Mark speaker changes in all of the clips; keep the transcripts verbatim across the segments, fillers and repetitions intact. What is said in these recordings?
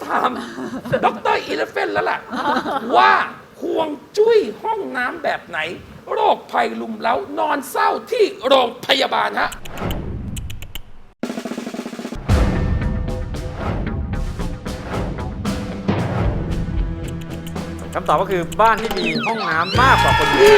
Speaker 1: ถามดรอีเลฟเฟนแล้วล่ะว่าห่วงจุ้ยห้องน้ำแบบไหน โรคภัยลุมเล้านอนเศร้าที่โรงพยาบาลฮะ
Speaker 2: คำตอบก็คือบ้านที่มีห้องน้ำมากกว่าคนอยู่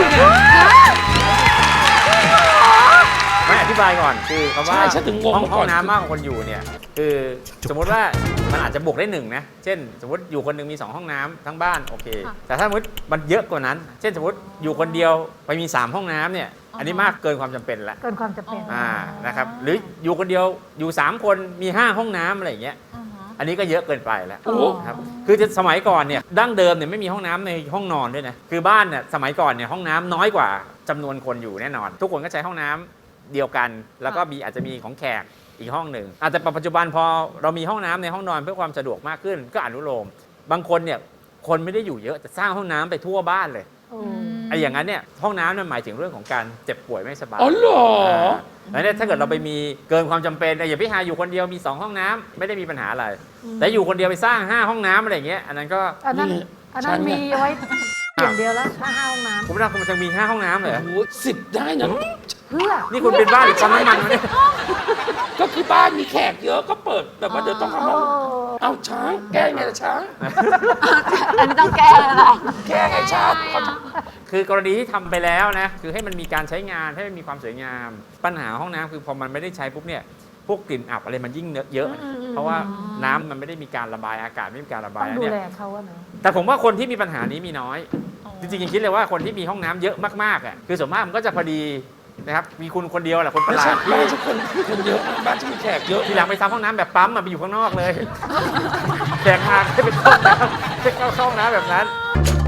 Speaker 2: ไม่อธิบายก่อนคือคำว่า
Speaker 1: ใช่ฉันถึงงง
Speaker 2: ห้อง
Speaker 1: มาก่
Speaker 2: ห้
Speaker 1: อ
Speaker 2: อน งน้ำมากกว่าคนอยู่เนี่ยคือสมมติว่ามันอาจจะบวกได้หนึ่งนะเช่น สมมติอยู่คนหนึ่งมีสองห้องน้ำทั้งบ้านโอเคแต่ถ้าสมมติมันเยอะกว่านั้น เช่นสมมติอยู่คนเดียวไปมีสามห้องน้ำเนี่ยอันนี้มากเกินความจำเป็นแล้ว
Speaker 3: เกินความจำเป็น
Speaker 2: อ่านะครับหรืออยู่คนเดียวอยู่สามคนมีห้าห้องน้ำอะไรอย่างเงี้ยอันนี้ก็เยอะเกินไปแล้ว
Speaker 1: โอ้
Speaker 2: ครับคือจะสมัยก่อนเนี่ยดั้งเดิมเนี่ยไม่มีห้องน้ำในห้องนอนด้วยนะคือบ้านเนี่ยสมัยก่อนเนี่ยห้องน้ำน้อยกว่าจำนวนคนอยู่แน่นอน ทุกคนก็ใช้ห้องน้ำเดียวกัน แล้วก็มีอาจจะมีของแขกอีกห้องหนึ่งอาจจะปัจจุบันพอเรามีห้องน้ำในห้องนอนเพื่อความสะดวกมากขึ้นก็อนุโลมบางคนเนี่ยคนไม่ได้อยู่เยอะแต่สร้างห้องน้ำไปทั่วบ้านเลยไอ้อย่างนั้นเนี่ยห้องน้ำนั่นหมายถึงเรื่องของการเจ็บป่วยไม่สบาย
Speaker 1: อ๋อเหรอ
Speaker 2: แล้วเนี่ยถ้าเกิดเราไปมีเกินความจำเป็นอย่าพี่หาอยู่คนเดียวมีสองห้องน้ำไม่ได้มีปัญหาอะไรแต่อยู่คนเดียวไปสร้างห้าห้องน้ำอะไรอย่างเงี้ยอันนั้นก็
Speaker 3: อันนั้นอันนั้นมีไว้อย่างเดียวแล้วถ้าห้าห้องน้
Speaker 2: คุณไม่ได้คุณจะมีห้าห้องน้ำเลยเหรอ
Speaker 1: โอ้สิบได้นะ
Speaker 3: ำเพื่อ
Speaker 2: นี่คุณเป็นบ้านหรือปั๊มน้ำมันวะเนี่ย
Speaker 1: ก็คือบ้านมีแขกเยอะก็เปิดแบบว่าเดี๋ยวต้องเข้า
Speaker 3: โอ้
Speaker 1: ห้องเอาช้างแก้ไงล่ะช้าง
Speaker 4: อันนี้ต้องแก้แล้วล่ะ
Speaker 1: แก้ไงช้างเขา
Speaker 2: คือกรณีที่ทำไปแล้วนะคือให้มันมีการใช้งานให้มันมีความสวยงาม ปัญหาห้องน้ำคือพอมันไม่ได้ใช้ปุ๊บเนี่ยพวกกลิ่นอับอะไรมันยิ่งเยอะ เพราะว่าน้ำมันไม่ได้มีการระบายอากาศไม่มีการระบา
Speaker 3: ต้
Speaker 2: ย
Speaker 3: องดู
Speaker 2: เนี่ย
Speaker 3: แลเขาอะเนาะ
Speaker 2: แต่ผมว่าคนที่มีปัญหานี้มีน้อย จริงๆยังคิดเลยว่าคนที่มีห้องน้ำเยอะมากๆอ่ะคือส่วนมากมันก็จะพอดีนะครับมีคุณคนเดียวแหละคนประ
Speaker 1: ไม่
Speaker 2: หลา
Speaker 1: ใช่
Speaker 2: ด
Speaker 1: บ้านฉันคนคนเยอะนะบ้านฉันมีแขกเยอะ
Speaker 2: ทีหลังไปทำห้องน้ำแบบปั๊มมาไปอยู่ข้างนอกเลยแขกมาให้เป็นห้องน้ำให้เข้าห้องน้ำแบบนั้น